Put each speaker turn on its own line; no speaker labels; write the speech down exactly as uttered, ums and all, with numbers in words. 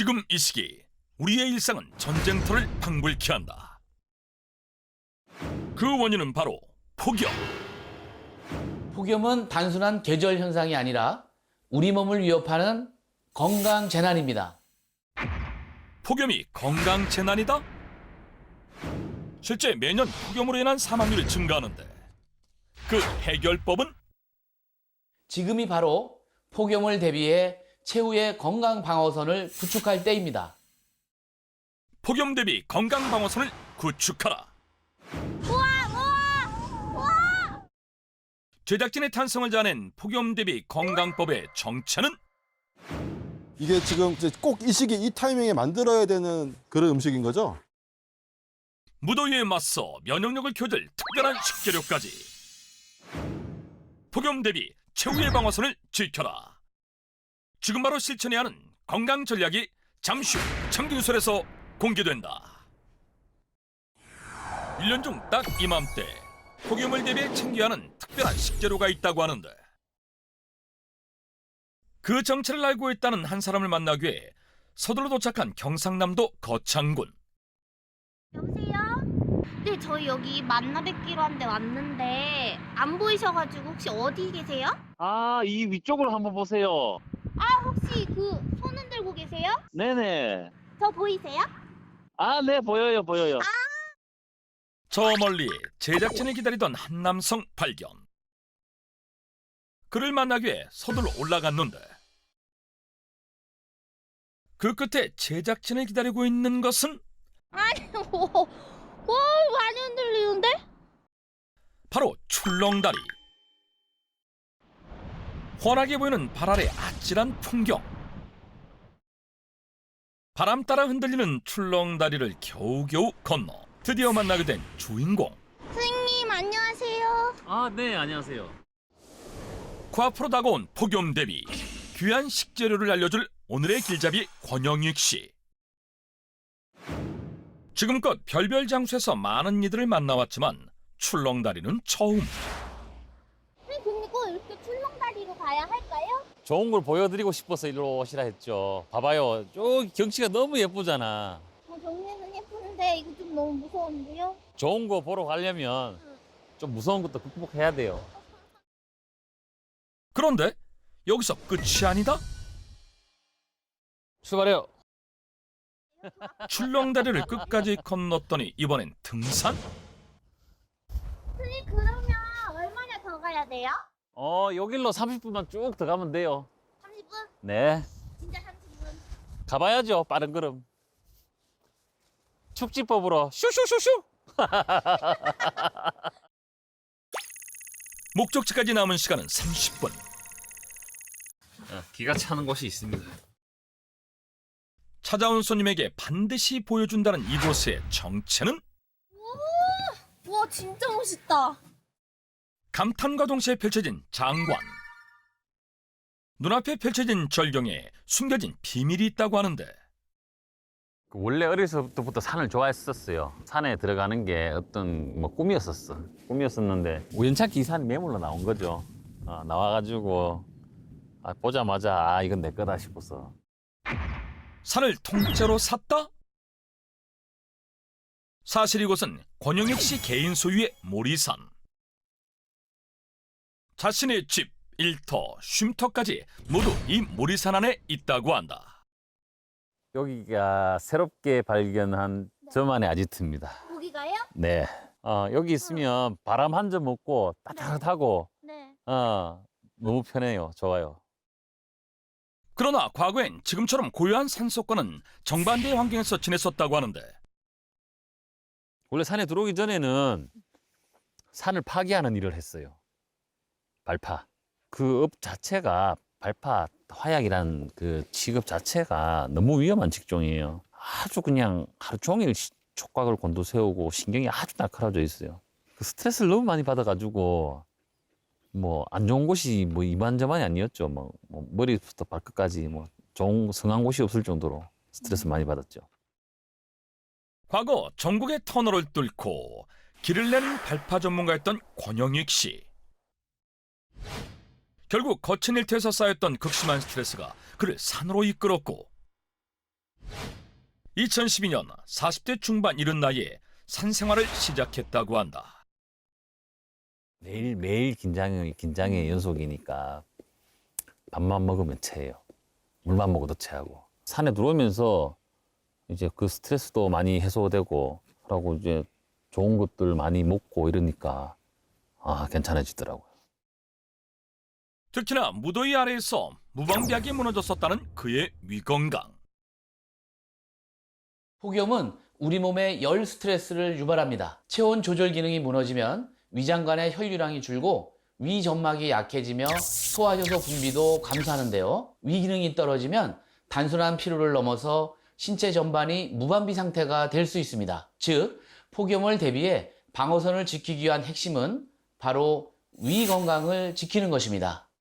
지금 이 시기 우리의 일상은 전쟁터를 방불케 한다. 그 원인은 바로 폭염.
폭염은 단순한 계절 현상이 아니라 우리 몸을 위협하는 건강 재난입니다.
폭염이 건강 재난이다? 실제 매년 폭염으로 인한 사망률이 증가하는데 그 해결법은?
지금이 바로 폭염을 대비해 최후의 건강 방어선을 구축할 때입니다.
폭염 대비 건강 방어선을 구축하라. 제작진의 탄성을 자낸 폭염 대비 건강법의 정체는?
이게 지금 꼭 이 시기 이 타이밍에 만들어야 되는 그런 음식인 거죠?
무더위에 맞서 면역력을 키워줄 특별한 식재료까지. 폭염 대비 최후의 방어선을 지켜라. 지금 바로 실천해야 하는 건강 전략이 잠시 후 청균설에서 공개된다. 일 년 중 딱 이맘때 폭염을 대비해 챙겨야 하는 특별한 식재료가 있다고 하는데 그 정체를 알고 있다는 한 사람을 만나기 위해 서둘러 도착한 경상남도 거창군.
여보세요? 네, 저희 여기 만나 뵙기로 한 데 왔는데 안 보이셔가지고 혹시 어디 계세요?
아, 이 위쪽으로 한번 보세요.
아, 혹시 그 손 흔들고 계세요?
네네.
저 보이세요?
아, 네, 보여요, 보여요.
저 멀리 제작진이 기다리던 한 남성 발견. 그를 만나기 위해 서둘러 올라갔는데 그 끝에 제작진을 기다리고 있는 것은
아니, 뭐, 오, 많이 흔들리는데?
바로 출렁다리. 환하게 보이는 발 아래 아찔한 풍경. 바람 따라 흔들리는 출렁다리를 겨우겨우 건너 드디어 만나게 된 주인공.
선생님, 안녕하세요.
아, 네, 안녕하세요.
그 앞으로 다가온 폭염 대비 귀한 식재료를 알려줄 오늘의 길잡이 권영익 씨. 지금껏 별별 장소에서 많은 이들을 만나왔지만 출렁다리는 처음.
선생님, 그리고 이렇게 출렁다리로 가야 할까요?
좋은 걸 보여드리고 싶어서 일로 오시라 했죠. 봐봐요. 저기 경치가 너무 예쁘잖아.
어, 정리는 예쁘는데 이거 좀 너무 무서운데요?
좋은 거 보러 가려면 좀 무서운 것도 극복해야 돼요.
그런데 여기서 끝이 아니다.
출발해요.
출렁다리를 끝까지 건넜더니 이번엔 등산?
선생님, 그러면 얼마나 더 가야 돼요?
어, 여길로 삼십 분만 쭉 더 가면 돼요.
삼십 분?
네.
진짜 삼십 분?
가봐야죠. 빠른 걸음. 축지법으로 슈슈슈슈.
목적지까지 남은 시간은 삼십 분.
기가 차는 곳이 있습니다.
찾아온 손님에게 반드시 보여준다는 이곳의 정체는?
와, 진짜 멋있다.
감탄과 동시에 펼쳐진 장관. 눈앞에 펼쳐진 절경에 숨겨진 비밀이 있다고 하는데
원래 어렸을 때부터 산을 좋아했었어요. 산에 들어가는 게 어떤 뭐 꿈이었었어. 꿈이었었는데 우연찮게 이 산이 매물로 나온 거죠. 어, 나와가지고 아, 보자마자 아 이건 내 거다 싶어서.
산을 통째로 샀다? 사실 이곳은 권영익 씨 개인 소유의 모리산. 자신의 집, 일터, 쉼터까지 모두 이 모리산 안에 있다고 한다.
여기가 새롭게 발견한 저만의 아지트입니다.
거기가요?
네. 어, 여기 있으면 바람 한 점 없고 따뜻하고
네.
어, 너무 편해요. 좋아요.
그러나 과거엔 지금처럼 고요한 산속과는 정반대의 환경에서 지냈었다고 하는데
원래 산에 들어오기 전에는 산을 파괴하는 일을 했어요. 발파. 그 업 자체가 발파 화약이라는 그 직업 자체가 너무 위험한 직종이에요. 아주 그냥 하루 종일 촉각을 곤두세우고 신경이 아주 날카로워져 있어요. 그 스트레스를 너무 많이 받아가지고 뭐 안 좋은 곳이 뭐 이만저만이 아니었죠. 뭐, 뭐 머리부터 발끝까지 뭐 좋은 성한 곳이 없을 정도로 스트레스 많이 받았죠.
과거 전국의 터널을 뚫고 길을 내는 발파 전문가였던 권영익 씨. 결국 거친 일터에서 쌓였던 극심한 스트레스가 그를 산으로 이끌었고 이천십이 년 사십 대 중반 이른 나이에 산생활을 시작했다고 한다.
매일 매일 긴장이 긴장의 연속이니까 밥만 먹으면 체해요. 물만 먹어도 체하고. 산에 들어오면서 이제 그 스트레스도 많이 해소되고 그러고 이제 좋은 것들 많이 먹고 이러니까 아 괜찮아지더라고요.
특히나 무더위 아래에서 무방비하게 무너졌었다는 그의 위건강.
폭염은 우리 몸에 열 스트레스를 유발합니다. 체온 조절 기능이 무너지면 위장관의 혈류량이 줄고 위 점막이 약해지며 소화효소 분비도 감소하는데요. 위 기능이 떨어지면 단순한 피로를 넘어서 신체 전반이 무방비 상태가 될 수 있습니다. 즉, 폭염을 대비해 방어선을 지키기 위한 핵심은 바로 위 건강을 지키는 것입니다.